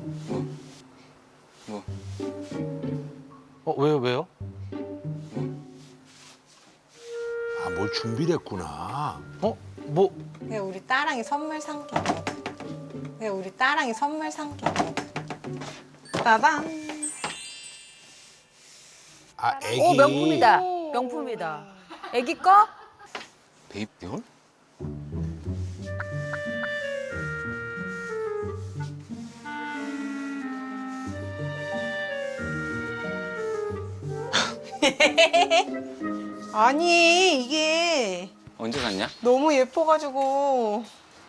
뭐? 왜요? 아, 뭘 준비를 했구나. 뭐? 그게 우리 딸랑이 선물 산 게. 그게 우리 딸랑이 선물 산 게. 따단. 아, 애기. 오, 명품이다. 명품이다. 애기 거? 베이비돌? 아니 이게 언제 샀냐? 너무 예뻐가지고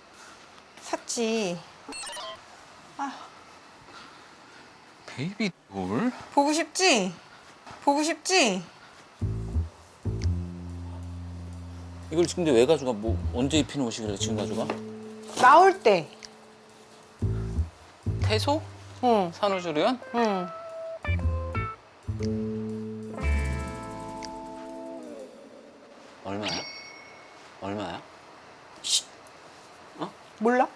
샀지. 베이비돌? 보고 싶지? 보고 싶지? 이걸 지금 근데 왜 가져가? 뭐 언제 입히는 옷이길래 지금 가져가? 나올 때. 태소? 응. 산후조리원? 응. 얼마야? 얼마야? 몰라?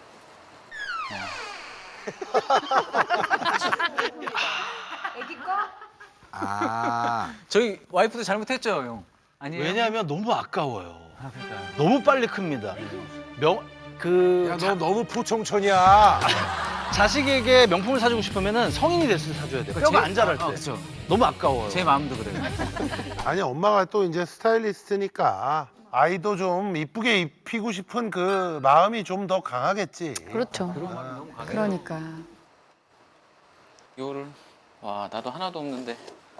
애기 거? 아, 저희 와이프도 잘못했죠, 형? 아니에요? 왜냐하면 너무 아까워요. 너무 빨리 큽니다. 야, 너 너무 부총천이야. 자식에게 명품을 사주고 싶으면 성인이 됐을 때 사줘야 돼. 뼈가 안 자랄 때. 그렇죠. 너무 아까워요. 제 마음도 그래요. 아니, 엄마가 또 이제 스타일리스트니까 아이도 좀 이쁘게 입히고 싶은 그 마음이 좀 더 강하겠지. 그렇죠. 그러니까. 이거를 와 나도 하나도 없는데.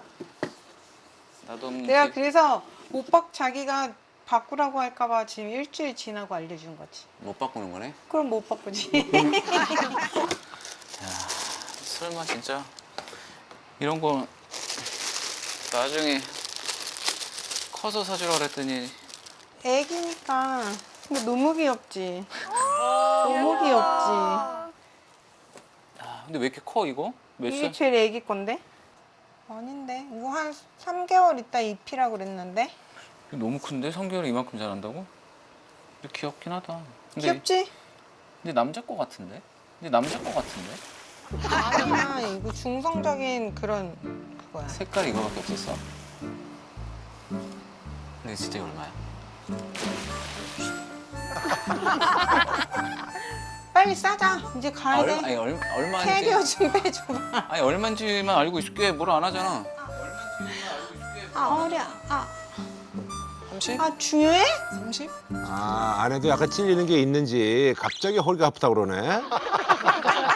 나도 없는데. 내가 그래서 오빠 자기가 바꾸라고 할까봐 지금 일주일 지나고 알려준 거지. 못 바꾸는 거네? 그럼 못 바꾸지. 설마 진짜 이런 거 나중에 커서 사주라 그랬더니 애기니까. 근데 너무 귀엽지. 너무 귀엽지. 야, 근데 왜 이렇게 커 이거? 몇 이게 살? 제일 애기 건데? 아닌데. 이거 한 3개월 있다 입히라고 그랬는데. 너무 큰데? 3개월에 이만큼 자란다고? 근데 귀엽긴 하다. 근데, 귀엽지? 근데 남자 거 같은데? 근데 남자 거 같은데? 아니야. 이거 중성적인 그런 그거야. 색깔이 이거밖에 없었어? 근데 진짜 이거 얼마야? 빨리 싸자. 이제 가야 돼. 아니 얼마인지 캐리어 좀 빼줘봐. 아니 얼마인지만 알고 있을게 뭐라 안 하잖아. 아 어려. 아, 30? 아 중요해? 30? 아, 안에도 약간 찔리는 게 있는지 갑자기 허리가 아프다 그러네.